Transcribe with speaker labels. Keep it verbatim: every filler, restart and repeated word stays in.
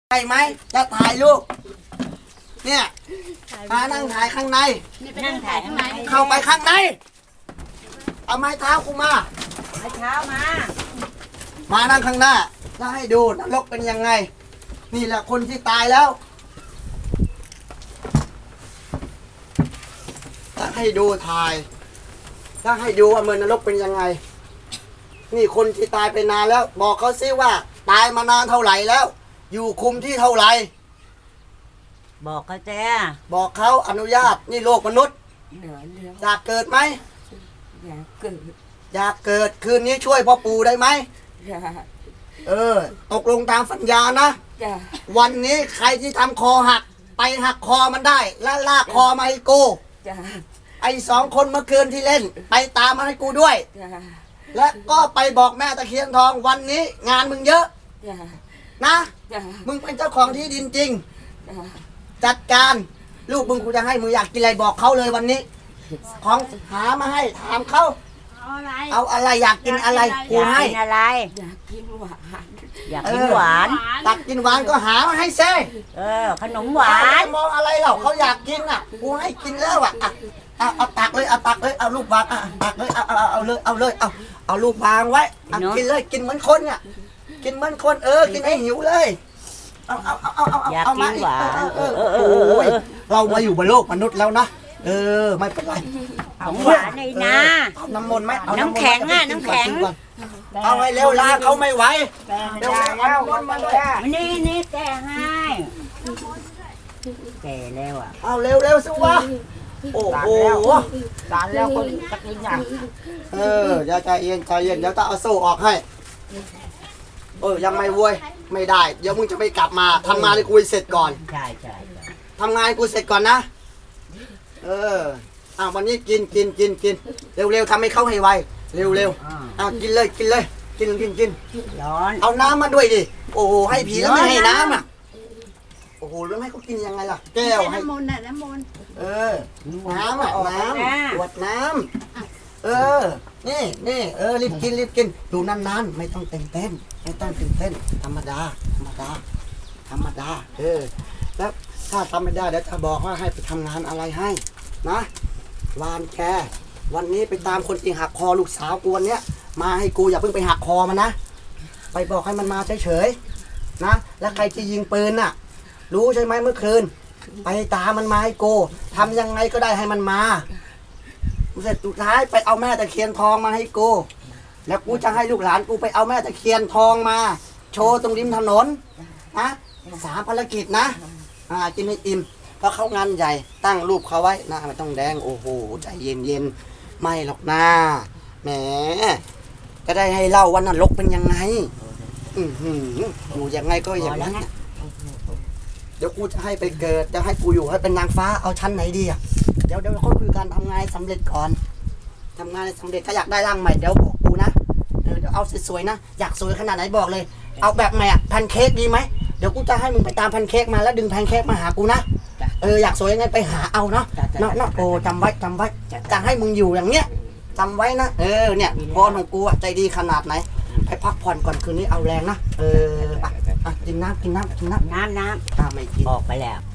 Speaker 1: ใช่ไหมจะถ่ายรูปเนี่ยมานั่งถ่ายข้างใน
Speaker 2: นั่งถ่ายข้างใน
Speaker 1: เข้าไปข้างในเอาไม้เท้ากูมา
Speaker 2: ไม้เท้ามา
Speaker 1: มานั่งข้างหน้าจะให้ดูนรกเป็นยังไงนี่แหละคนที่ตายแล้วจะให้ดูถ่ายจะให้ดูว่าเมืองนรกเป็นยังไงนี่คนที่ตายไปนานแล้วบอกเขาซิว่าตายมานานเท่าไหร่แล้วอยู่คุมที่เท่าไหร่
Speaker 2: บอกเขาจ้า
Speaker 1: บอกเขาอนุญาตนี่โลกมนุษย์อยากเกิดไหม
Speaker 3: อยากเกิด
Speaker 1: อยากเกิดคืนนี้ช่วยพ่อปู่ได้ไหม
Speaker 3: อยาก
Speaker 1: เออตกลงตามสัญญานะวันนี้ใครที่ทำคอหักไปหักคอมันได้และลากคอมาให้กูไอ้สองคนเมื่อคืนที่เล่นไปตามมาให้กูด้วยและก็ไปบอกแม่ตะเคียนทองวันนี้งานมึงเยอะนะมึงเป็นเจ้าของที่ดินจริงจัดการลูกมึงกูจะให้มึงอยากกินอะไรบอกเขาเลยวันนี้ของหามาให้ถามเขาเอาอะไรเอาอะไรอยากกินอะไรกูให้
Speaker 2: อะไร
Speaker 3: อยากกินหวาน
Speaker 2: อยากกินหวาน
Speaker 1: ตักกินหวานก็หามาให้เซ่
Speaker 2: เออขนมหวาน
Speaker 1: มองอะไรเหล่าเขาอยากกินอ่ะกูให้กินแล้วอ่ะเอาเอาตักเลยเอาตักเลยเอาลูกวางอ่ะตักเลยเอาเอาเอาเลยเอาเลยเอาเอาลูกวางไว้กินเลยกินเหมือนคนอ่ะกินเหมือนคนเออกินให้หิวเลยเอาเอาเอาเอาเอา
Speaker 2: อยากกินหวาน
Speaker 1: เออโอ้ยเรามาอยู่บนโลกมนุษย์แล้วนะเออไม่เป็นไร
Speaker 2: ของหวานในนา
Speaker 1: น้ำมนต์ไหม
Speaker 2: น้ำแข็งอ่ะน้ำแข็ง
Speaker 1: เอาให้เร็วลาเขาไม่ไหวเร็วเอาน้ำมนต์มาเลย
Speaker 2: นี่นี่แกให้แกแล้วอ่ะ
Speaker 1: เอาเร็วเร็วสิวะโอ้โห
Speaker 3: สารแล้วคนจะกินอย่าง
Speaker 1: เอออย่าใจเย็นใจเย็นเดี๋ยวตาเอาโซ่ออกให้เออยังไม่เว้ยไม่ได้เดี๋ยวมึงจะไม่กลับมาทำงานให้กูเสร็จก่อน
Speaker 2: ใช่ใช่
Speaker 1: ทำงานให้กูเสร็จก่อนนะเอออ่ะวันนี้กินกินกินกินเร็วเร็วทำให้เขาให้ไวเร็วเร็วอ่ะกินเลยกินเลยกินกินกิน
Speaker 2: ร้อน
Speaker 1: เอาน้ำมาด้วยดิโอ้โหให้ผีแล้วไม่ให้น้ำอ่ะโอ้โหแล้วให้เขากินยังไงล่ะแก้วให้
Speaker 3: น้ำมนต์น่ะน้ำมนต์
Speaker 1: เออน้ำอ่ะน้ำขวดน้ำเออนี่นี่เออรีบกินรีบกินดูนานๆไม่ต้องเต้นเต้นไม่ต้องตื่นเต้นธรรมดาธรรมดาธรรมดาเออแล้วถ้าทำไม่ได้เดี๋ยวจะบอกว่าให้ไปทำงานอะไรให้นะวานแกวันนี้ไปตามคนที่หักคอลูกสาวกูวันเนี้ยมาให้กูอย่าเพิ่งไปหักคอมันนะไปบอกให้มันมาเฉยๆนะแล้วใครที่ยิงปืนน่ะรู้ใช่ไหมเมื่อคืนไปตามมันมาให้กูทำยังไงก็ได้ให้มันมาเสร็จสุดท้ายไปเอาแม่ตะเคียนทองมาให้กูแล้วกูจะให้ลูกหลานกูไปเอาแม่ตะเคียนทองมาโชว์ตรงริมถนนนะสามภารกิจนะอ่ากินให้อิ่มเพราะเขางานใหญ่ตั้งรูปเขาไว้หน้าไม่ต้องแดงโอ้โหใจเย็นเย็นไม่หรอกนะแหมก็ได้ให้เล่าว่านรกเป็นยังไงอือหืออยู่ยังไงก็อย่างนั้นเดี๋ยวกูจะให้ไปเกิดจะให้กูอยู่ให้เป็นนางฟ้าเอาชั้นไหนดีอ่ะเดี๋ยวเดี๋ยวเขาคุยกันทำงานสำเร็จก่อนทำงานสำเร็จถ้าอยากได้ร่างใหม่เดี๋ยวบอกกูนะเดี๋ยวเอาสวยๆนะอยากสวยขนาดไหนบอกเลยเอาแบบใหม่อ่ะแพนเค้กดีไหมเดี๋ยวกูจะให้มึงไปตามแพนเค้กมาแล้วดึงแพนเค้กมาหากูนะเอออยากสวยยังไงไปหาเอาเนาะเนาะเนาะโอ้จำไว้จำไว้จะให้มึงอยู่อย่างเนี้ยจำไว้นะเออเนี่ยพรของกูอ่ะใจดีขนาดไหนไปพักผ่อนก่อนคืนนี้เอาแรงนะเอออ่ะกินน้ำกินน้ำกินน้ำ
Speaker 2: น้ำน้
Speaker 1: ำอ่ะไม่กิน
Speaker 2: ออกไปแล้ว